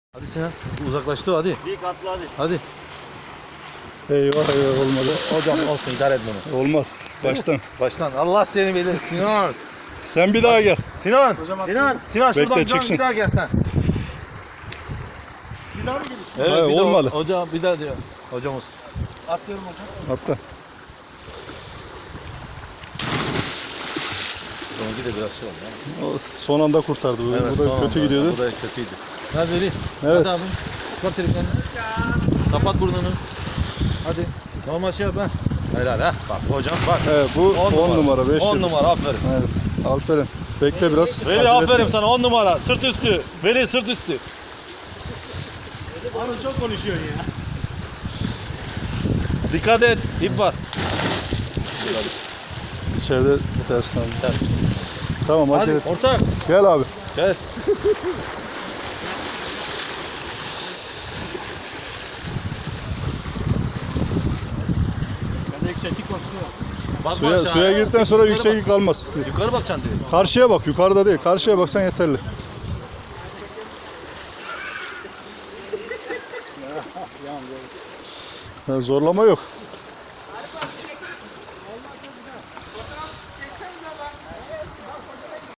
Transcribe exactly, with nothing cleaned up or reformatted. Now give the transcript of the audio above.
Hadi Sinan, uzaklaştı hadi. Bir katlı hadi. Hadi. Eyvah eyvah olmadı. Hocam olsun, idare et bunu. Olmaz. Baştan. Baştan. Allah seni bilir Sinan. Sen bir daha gel. Sinan. Sinan. Sinan şuradan Bekle, can, çıksın. bir daha gel sen. Bir daha mı gelirsin? Evet, Hayır, bir daha- olmadı. Hocam bir daha diyor. Hocam olsun. Atlıyorum hocam. Atla. Onunki de biraz şey oldu ya. O son anda kurtardı. Bu, Evet, bu da son kötü anda. gidiyordu. Bu da kötüydü. Hadi Veli. Evet. Hadi abi. Çıkar telefonunu. Kapat burnunu. Hadi. Normal şey yap ha. Helal ha. Bak hocam bak. Evet bu on numara. beş on yıldız. numara aferin. Evet. Aferin. Bekle biraz. Veli acele aferin etme. sana on numara. Sırt üstü. Veli sırt üstü. Abi çok konuşuyorsun ya. Dikkat et. İp var. İçeride ters abi. Ters. Tamam acele Hadi et. ortak. Gel abi. Gel. Ben de yükseklik konuşuyor. Bakma Suya, aşağı. suya girdikten sonra Yukarı yükseklik kalmaz. bak. Yukarı bakacaksın diyor. Karşıya bak. Yukarıda değil. Karşıya baksan yeterli. Yani zorlama yok.